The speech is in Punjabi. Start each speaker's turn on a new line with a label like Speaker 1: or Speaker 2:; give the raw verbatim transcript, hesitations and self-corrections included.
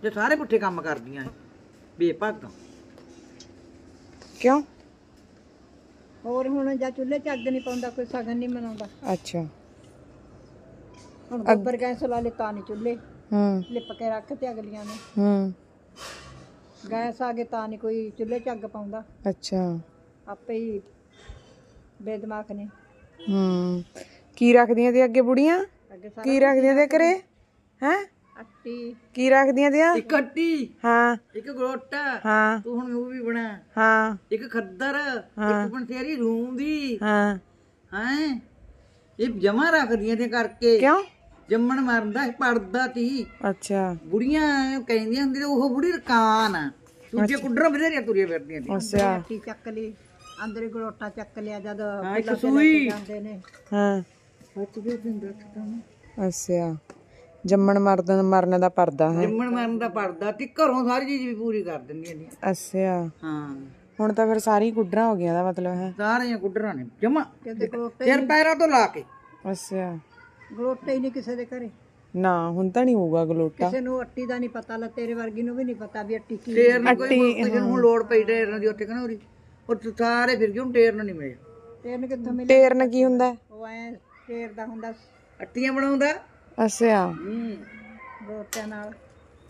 Speaker 1: ਤੇ ਸਾਰੇ ਪੁੱਠੇ ਕੰਮ ਕਰਦੀਆਂ ਇਹ ਬੇਭਾਗਾਂ।
Speaker 2: ਕਿਉਂ?
Speaker 3: ਹੋਰ ਹੁਣ ਜਾਂ ਚੁੱਲ੍ਹੇ 'ਚ ਅੱਗ ਨਹੀਂ ਪਾਉਂਦਾ, ਕੋਈ ਸਗਨ ਨਹੀਂ ਮਨਾਉਂਦਾ।
Speaker 2: ਅੱਛਾ।
Speaker 3: ਹੁਣ ਗੋਬਰ ਗੈਸ ਲਾ ਲਏ ਤਾਂ ਨਹੀਂ ਚੁੱਲ੍ਹੇ
Speaker 2: ਹੂੰ
Speaker 3: ਲਿਪ ਕੇ ਰੱਖ ਤੇ ਅਗਲੀਆਂ ਨੇ।
Speaker 2: ਹੂੰ
Speaker 3: ਗੈਸ ਆ ਗਏ ਤਾਂ ਨਹੀਂ ਕੋਈ ਚੁੱਲ੍ਹੇ 'ਚ ਅੱਗ ਪਾਉਂਦਾ।
Speaker 2: ਅੱਛਾ।
Speaker 3: ਆਪੇ ਹੀ ਬੇਦਮਾਗ ਨੇ।
Speaker 2: ਹੂੰ ਕੀ ਰੱਖਦੀਆਂ ਤੇ ਅੱਗੇ ਬੁੜੀਆਂ?
Speaker 3: ਅੱਗੇ ਸਾਰਾ
Speaker 2: ਕੀ ਰੱਖਦੀਆਂ ਤੇ ਘਰੇ? ਹੈ
Speaker 3: ਅੱਟੀ
Speaker 2: ਕੀ ਰੱਖਦੀਆਂ ਤੇ?
Speaker 1: ਇੱਕ ਅੱਟੀ,
Speaker 2: ਹਾਂ
Speaker 1: ਇੱਕ ਗਲੋਟਾ,
Speaker 2: ਹਾਂ
Speaker 1: ਤੂੰ ਹੁਣ ਮੂੰਹ ਵੀ ਬਣਾ,
Speaker 2: ਹਾਂ
Speaker 1: ਇੱਕ ਖੱਦਰ, ਇੱਕ ਬਨਸੇਰੀ ਰੂੰਦੀ
Speaker 2: ਹਾਂ।
Speaker 1: ਹੈ ਇਹ ਜਮਾ ਰੱਖਦੀਆਂ ਤੇ ਕਰਕੇ।
Speaker 2: ਕਿਉਂ?
Speaker 1: ਜੰਮਣ ਮਰਦਾ ਪੜਦਾ ਤੀ।
Speaker 2: ਅੱਛਾ
Speaker 1: ਬੁੜੀਆਂ ਕਹਿੰਦੀਆਂ ਹੁੰਦੀਆਂ ਉਹ ਬੁੜੀ ਰਕਾਨ ਆ, ਦੂਜੇ ਕੁੱਡਰਾਂ ਬਥੇਰੀਆਂ ਤੁਰੀਆਂ ਫਿਰਦੀਆਂ ਤੀ।
Speaker 2: ਅੱਛਾ
Speaker 3: ਅੱਟੀ ਚੱਕ ਲਈ, ਅੰਦਰੇ ਗਲੋਟਾ ਚੱਕ ਲਿਆ ਜਦ
Speaker 1: ਹਾਂ, ਇੱਕ
Speaker 3: ਫੁੱਲਾਂ ਤੇ ਲੈ
Speaker 1: ਸੂਈ।
Speaker 3: ਕੇ ਜਾਂਦੇ ਨੇ।
Speaker 2: ਹਾਂ
Speaker 1: ਸੱਚ ਦੇ ਦਿੰਦਾ ਤਾਂ
Speaker 2: ਅੱਛਾ। ਜੰਮਣ ਮਰਨ ਮਰਨ ਦਾ ਪਰਦਾ ਹੈ।
Speaker 1: ਜੰਮਣ ਮਰਨ ਦਾ ਪੜਦਾ ਤੀ, ਘਰੋਂ ਸਾਰੀ ਚੀਜ਼ ਵੀ ਪੂਰੀ ਕਰ ਦਿੰਦੀਆਂ ਨੇ।
Speaker 2: ਅੱਛਾ।
Speaker 1: ਹਾਂ
Speaker 2: ਹੁਣ ਤਾਂ ਫਿਰ ਸਾਰੀ ਗੁੱਡਰਾਂ ਹੋ ਗਈਆਂ ਦਾ ਮਤਲਬ ਹੈ।
Speaker 1: ਸਾਰੀਆਂ ਕੁੱਡਰਾਂ ਨੇ ਜਮਾ
Speaker 3: ਕਹਿੰਦੇ ਗਲੋਟੇ
Speaker 1: ਸਿਰ ਪੈਰਾਂ ਤੋਂ ਲਾ ਕੇ।
Speaker 2: ਅੱਛਾ।
Speaker 3: ਗਲੋਟੇ ਹੀ ਨਹੀਂ ਕਿਸੇ ਦੇ ਘਰੇ।
Speaker 2: ਨਾ ਹੁਣ ਤਾਂ ਨਹੀਂ ਹੋਊਗਾ ਗਲੋਟਾ।
Speaker 3: ਕਿਸੇ ਨੂੰ ਅੱਟੀ ਦਾ ਨਹੀਂ ਪਤਾ, ਲਾ ਤੇਰੇ ਵਰਗੀ ਨੂੰ ਵੀ ਨਹੀਂ ਪਤਾ ਵੀ ਅੱਟੀ ਕੀ।
Speaker 1: ਟੇਰ ਨੂੰ ਕੋਈ ਕਿਸੇ ਨੂੰ ਹੁਣ ਲੋੜ ਪਈ ਟੇਰਨ ਦੀ ਉੱਥੇ ਕਹਿੰਦਾ ਉਰੀ ਉਹ ਸਾਰੇ ਫਿਰ ਕਿਉਂ ਟੇਰਨ ਨਹੀਂ ਮਿਲੇ।
Speaker 3: ਤੇਰਨ ਕਿੱਥੋਂ ਮਿਲੇ?
Speaker 2: ਟੇਰਨ ਕੀ ਹੁੰਦਾ?
Speaker 3: ਉਹ ਐ ਟੇਰ ਦਾ ਹੁੰਦਾ
Speaker 1: ਅੱਟੀਆਂ ਬਣਾਉਂਦਾ।
Speaker 2: ਅੱਛਾ।
Speaker 1: ਹੂੰ
Speaker 3: ਗਲੋਟਿਆਂ ਨਾਲ।